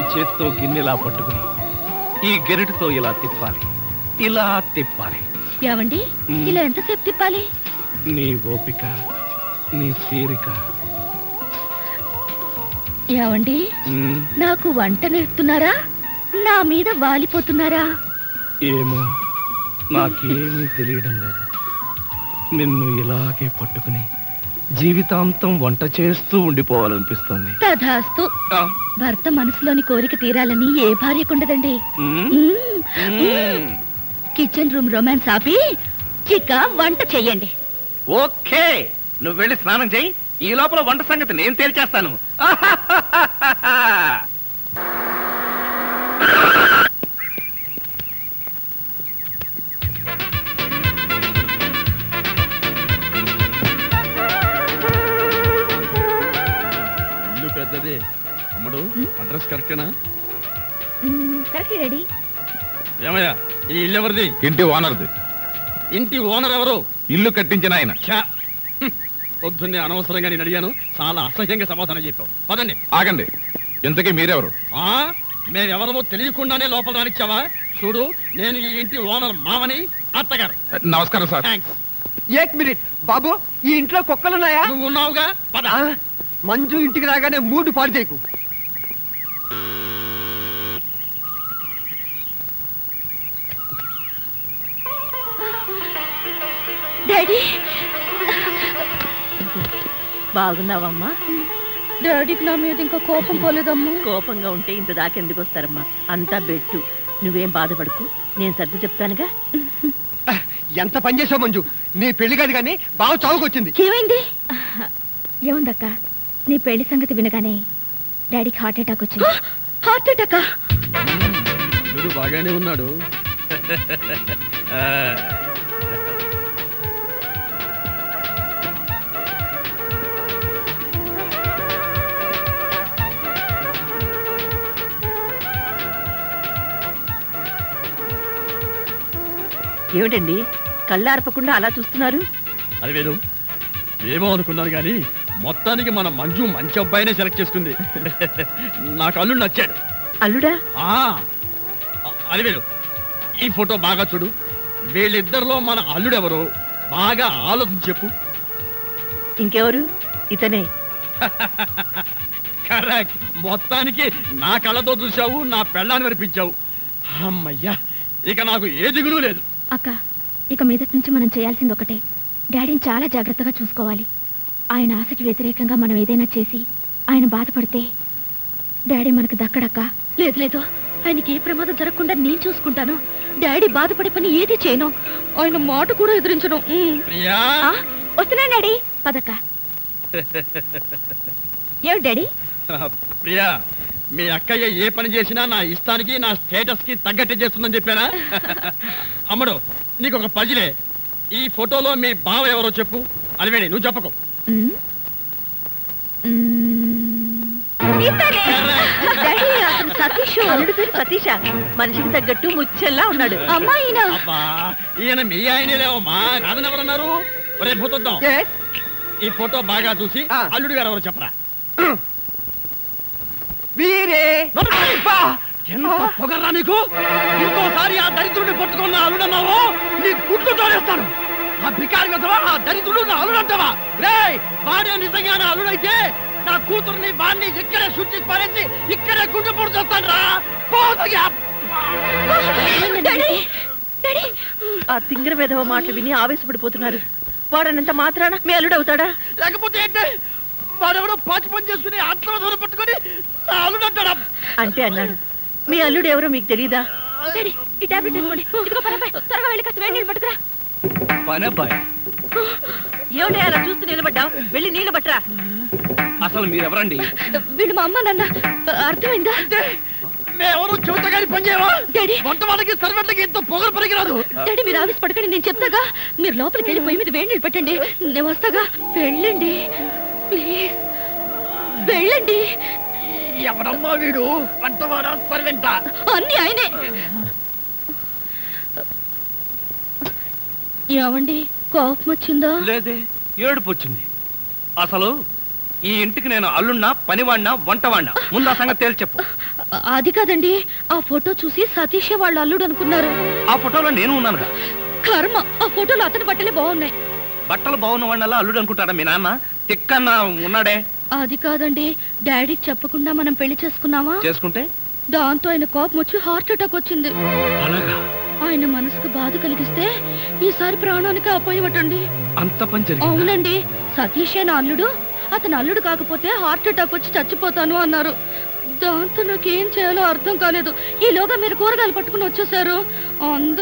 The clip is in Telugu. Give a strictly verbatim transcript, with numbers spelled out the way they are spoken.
చేత్తో గిన్నెలా పట్టుకుని ఈ గెరటితో ఇలా తిప్పాలి, ఇలా తిప్పాలి. ఏమండి ఇలా ఎంతసేపు తిప్పాలి? నీ ఓపిక, నీ తీరిక. ఏమండి నాకు వంట నేర్పుతున్నారా, నా మీద వాలిపోతున్నారా? ఏమో నాకేమీ తెలియడం లేదు. నిన్ను ఇలాగే పట్టుకుని జీవితాంతం వంట చేస్తూ ఉండిపోవాలనిపిస్తుంది. తధాస్తు. భర్త మనసులోని కోరిక తీరాలని ఏ భార్యకుండదండి. కిచెన్ రూమ్ రొమాన్స్ ఆపి చిక్క వంట చెయ్యండి. ఓకే, నువ్వు వెళ్ళి స్నానం చెయ్యి. ఈ లోపల వంట సంగతి నేను తేల్చేస్తాను. ఇల్లు పెద్దది అమ్మడు. అడ్రస్ కరెక్టేనా? Correct ready. ఏమయ్యా ఈ ఇల్లు ఎవరిది? ఇంటి ఓనర్ది. ఇంటి ఓనర్ ఎవరు? ఇల్లు కట్టించిన ఆయన. పొద్దున్నే అనవసరంగా నేను అడిగాను, చాలా అసహ్యంగా సమాధానం చెప్పావు. పదండి. ఆగండి, ఇంతకీ మీరెవరు? ఆ మేమెవరమో తెలియకుండానే లోపల రానిచ్చావా? చూడు, నేను ఈ ఇంటి ఓనర్ మామని. అత్తగారు నమస్కారం సార్. థ్యాంక్స్. ఏక్ మినిట్ బాబు, ఈ ఇంట్లో కుక్కలున్నాయా? నువ్వు ఉన్నావుగా, పద. మంజు ఇంటికి రాగానే మూడు పాడు చేయకు. డాడీ బాగున్నావమ్మా? డాడీకి నా మీద ఇంకా కోపం పోలేదమ్మా. కోపంగా ఉంటే ఇంత దాకెందుకు వస్తారమ్మా? అంతా బెట్టు. నువ్వేం బాధపడకు, నేను సర్ది చెప్తానుగా. ఎంత పని చేసావు మంజు, నీ పెళ్లి కాదు కానీ బాగా చావుకొచ్చింది. ఏమైంది? ఏముందక్క, నీ పెళ్లి సంగతి వినగానే డాడీకి హార్ట్ అటాక్ వచ్చింది. హార్ట్ అటాకా? వీడు బాగానే ఉన్నాడు. ఏమిటండి కళ్ళార్పకుండా అలా చూస్తున్నారు? అది వేరు, ఏమో అనుకున్నాను కానీ మొత్తానికి మన మంజు మంచి అబ్బాయినే సెలెక్ట్ చేసుకుంది. నాకు అల్లుడు నచ్చాడు. అల్లుడా? అది వేరు, ఈ ఫోటో బాగా చూడు. వీళ్ళిద్దరిలో మన అల్లుడెవరో బాగా ఆలోచించి చెప్పు. ఇంకెవరు? ఇతనే. కరెక్ట్. మొత్తానికి నా కళ్ళతో చూసావు, నా పెళ్ళాన్ని వినిపించావు. అమ్మయ్యా, ఇక నాకు ఏ దిగులు లేదు. అక్క, ఇక మీదటి నుంచి మనం చేయాల్సింది ఒకటే, డాడీని చాలా జాగ్రత్తగా చూసుకోవాలి. ఆయన ఆశకి వ్యతిరేకంగా మనం ఏదైనా చేసి ఆయన బాధపడితే డాడీ మనకు దక్కడక్క. లేదు లేదు, ఆయనకి ఏ ప్రమాదం జరగకుండా నేను చూసుకుంటాను. డాడీ బాధపడే పని ఏది చేయను, ఆయన మాట కూడా ఎదిరించను. వస్తున్నా డాడీ, పదక్క. ఏమిటి డాడీ? ప్రియా, మీ అక్కయ్య ఏ పని చేసినా నా ఇష్టానికి నా స్టేటస్ కి తగ్గట్టే చేస్తుందని చెప్పానా? అమ్మడు, నీకు ఒక పజిలే. ఈ ఫోటోలో మీ బావ ఎవరో చెప్పు. అలివేణి, నువ్వు చెప్పకు. సతీష మనిషికి తగ్గట్టు ముచ్చల్లా ఉన్నాడు. అమ్మాయినా? అబ్బా, ఈయన మీ ఆయనే లేవమ్మా, కాదని ఎవరన్నారు? రేపు పోతుందాం. ఈ ఫోటో బాగా చూసి అల్లుడు గారు ఎవరో చెప్పరా. వీరే ఎంత పొగర్రా నీకు! ఇంకోసారి ఆ దరిద్రుడిని పట్టుకున్న అల్లుడన్నావు, నీ గుడ్లు తోడేస్తాను. ఆ బికారి కదవా, ఆ దరిద్రుడు నా అల్లుడంటావా? రే, వాడే నిజంగా నా అల్లుడైతే నా కూతుర్ని వాడిని ఇక్కడే శుద్ధి పారేసి ఇక్కడే గుడ్డు పొడి చేస్తాను రా. ఆ తింగర వేధవ మాటలు విని ఆవేశపడిపోతున్నారు. వాడనంత మాత్రాన మీ అల్లుడు అవుతాడా? లేకపోతే ఏంటి? వాడెవడో పాచి పని చేసుకుని ఆత్మ పట్టుకుని నా అల్లుడు అంటాడా? అంటే అన్నాడు. మీ అల్లుడు ఎవరో మీకు తెలీదా? ఈ టాబ్లెట్ తీసుకోండి. ఇదిగో పనబ్బాయి, త్వరగా వెళ్ళి కాస్త వేడి నీళ్ళు పట్టుకురా. పనబ్బాయి? ఏమిటి అలా చూస్తూ నిలబడ్డావు? వెళ్ళి నీళ్ళు పట్టరా. అసలు మీరెవరండి? వీళ్ళు మా అమ్మ నాన్న. అర్థమైందా? మేమెవరు చెబుతగాని పని చేయవా? డాడీ, వంట వాళ్ళకి సర్వెంట్లకి ఎంతో పొగరు పనికిరాదు. డాడీ మీరు ఆఫీస్ పడకండి, నేను చెప్తాగా. మీరు లోపలికి వెళ్ళి పొయ్యి మీద వేడి నీళ్ళు పెట్టండి, నేను వస్తాగా. వెళ్ళండి ప్లీజ్, వెళ్ళండి. ఎవడమ్మా వీడు? వంటవాడా సర్వెంటా? అన్ని ఆయనే. ఏమండి, కోపం వచ్చిందా? లేదే, ఏడుపు వచ్చింది. అసలు ఈ ఇంటికి నేను అల్లున్నా, పనివాడినా, వంటవాడినా? ముందు ఆ సంగతి తేల్చి చెప్పు. అది కాదండి, ఆ ఫోటో చూసి సతీషే వాళ్ళ అల్లుడు అనుకున్నారు. ఆ ఫోటోలో నేను ఉన్నానుగా. కర్మ, ఆ ఫోటోలో అతని బట్టలే బాగున్నాయి. బట్టలు బాగున్న వాడినల్లా అల్లుడు అనుకుంటాడా మీ నాన్న? తిక్కన్న ఉన్నాడే. అది కాదండి, డాడీకి చెప్పకుండా మనం పెళ్లి చేసుకున్నావా, చేసుకుంటే దాంతో ఆయన కోపం వచ్చి హార్ట్ అటాక్ వచ్చింది. అలాగా? ఆయన మనసుకు బాధ కలిగిస్తే ఈసారి ప్రాణానికి అపాయమటండి. అంత పని జరిగిందా? అవునండి, సతీషే నా అల్లుడు, అతను అల్లుడు కాకపోతే హార్ట్ అటాక్ వచ్చి చచ్చిపోతాను అన్నారు. దాంతో నాకేం చేయాలో అర్థం కాలేదు. ఈలోగా మీరు కూరగాయలు పట్టుకుని వచ్చేసారు. అందరూ